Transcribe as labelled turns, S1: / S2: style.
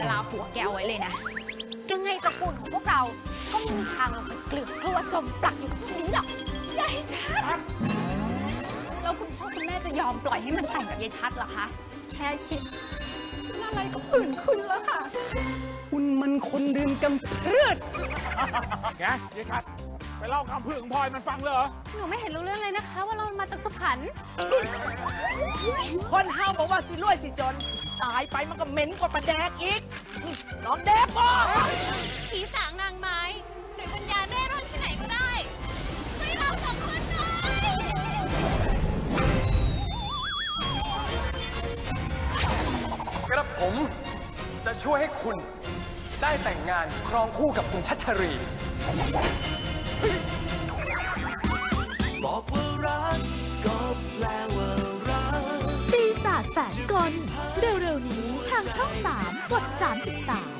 S1: ลาหัวแกเอาไว้เลยนะ
S2: ยังไงตระกูลของพวกเราก็ไม่มีทางลงไปเกลือกกลัวจมปลักอยู่ตรงนี้หรอกยายชัด
S1: แล้วคุณพ่อคุณแม่จะยอมปล่อยให้มันแต่งกับยายชัดเหรอคะ แค่คิดอะไรก็ผื่นขึ้นแล้วค่ะ
S3: คุณมันคนดื่มกำเพือด
S4: ไงยายชัดไปเล่าคำพึ่งของพลอยมันฟังเลยเหรอ
S2: หนูไม่เห็นรู้เรื่องเลยนะคะ ว่าเรามาจากสุพรรณ
S5: คนเฮาบอกว่าสิรวยสิจน ตายไปมันก็เหม็นกว่าปลาแดกอีก น้องแดกบ่
S2: ผีสางนางไม้ หรือวิญญาณเร่ร่อนที่ไหนก็ได้ให้เราสองคนหน่อย
S6: กระผมจะช่วยให้คุณได้แต่งงานครองคู่กับคุณชัชรี
S7: บอกว่ารักก็แปลว่ารัก
S8: ปีศาจแสนกลเร็วๆนี้ทางช่อง 3 กด 33